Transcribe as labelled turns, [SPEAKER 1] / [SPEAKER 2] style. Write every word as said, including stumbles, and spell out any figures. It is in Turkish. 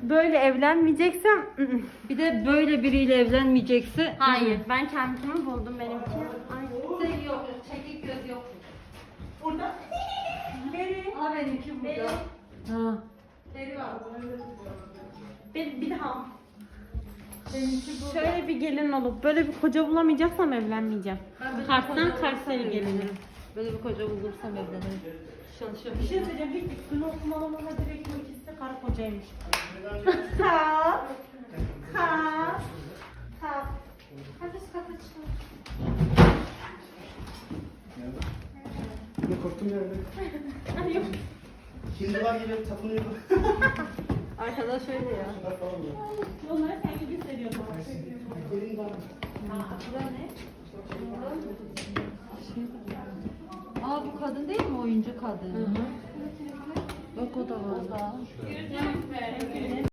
[SPEAKER 1] böyle evlenmeyeceksem
[SPEAKER 2] Bir de böyle biriyle evlenmeyecekse.
[SPEAKER 1] hayır. Ben kendimi buldum benimki.
[SPEAKER 2] Ay, yok. Çekik göz yok.
[SPEAKER 1] Burada. Beri.
[SPEAKER 2] Aa benimki burada.
[SPEAKER 1] Beri.
[SPEAKER 2] Ha.
[SPEAKER 1] Beri var. Bir, bir daha.
[SPEAKER 2] Benimki burada.
[SPEAKER 1] Şöyle bir gelin olup böyle bir koca bulamayacaksam evlenmeyeceğim.
[SPEAKER 2] Ben böyle
[SPEAKER 1] Kars'tan
[SPEAKER 2] koca
[SPEAKER 1] Kars'a
[SPEAKER 2] bulursam
[SPEAKER 1] gelinim.
[SPEAKER 2] evlenirim. Böyle bir koca bulursam evlenirim. Çalışıyorum.
[SPEAKER 1] Bir şey söyleyeceğim. Bir üstüne okumalama direkt bu ikisi de karı kocaymış. Kalk. Kalk. Kalk. Hadi şu kapı çıkın.
[SPEAKER 3] Ne korktum ya öyle.
[SPEAKER 1] Ay yok.
[SPEAKER 3] Şimdi var gibi tapınıyor.
[SPEAKER 2] Arkadaş öyle ya.
[SPEAKER 1] Onları sen gibi hissediyorsun.
[SPEAKER 3] Elin var.
[SPEAKER 2] Bura ne? Aa bu kadın değil mi? Oyuncu kadın. Bak o da var. O da.